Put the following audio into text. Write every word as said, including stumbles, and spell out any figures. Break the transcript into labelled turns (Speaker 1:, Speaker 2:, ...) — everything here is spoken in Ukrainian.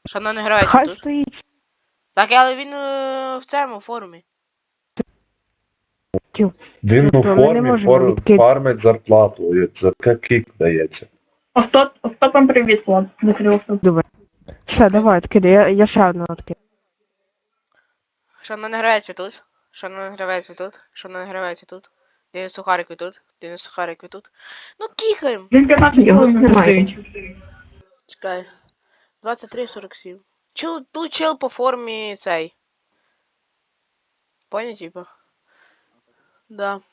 Speaker 1: Шановний гравець, ви
Speaker 2: Хай
Speaker 1: тут?
Speaker 2: стоїть.
Speaker 1: Так, але він е, в цьому формі.
Speaker 3: Він у
Speaker 2: Тобто ми не
Speaker 3: формі
Speaker 2: можемо
Speaker 3: фор-
Speaker 2: відкрити.
Speaker 3: фармить зарплату. За це кік дається.
Speaker 4: Остап, Остапом привіт, Влад. Закрився.
Speaker 2: Добре. Все, давай, откидай, я, я ще одну откину.
Speaker 1: Шановний гравець, ви тут? Шановний гравець, ви тут? Шановний гравець, ви тут? Денис Сухарик, ви тут? Денис Сухарик, ви тут? Ну, кікаємо!
Speaker 4: Він п'ятнадцять
Speaker 2: Його
Speaker 4: хвилин
Speaker 2: немає.
Speaker 4: стоїть.
Speaker 1: Чекай. двадцять три сорок сім. Чел, тут чел по формі цей. Понял, типа? Да.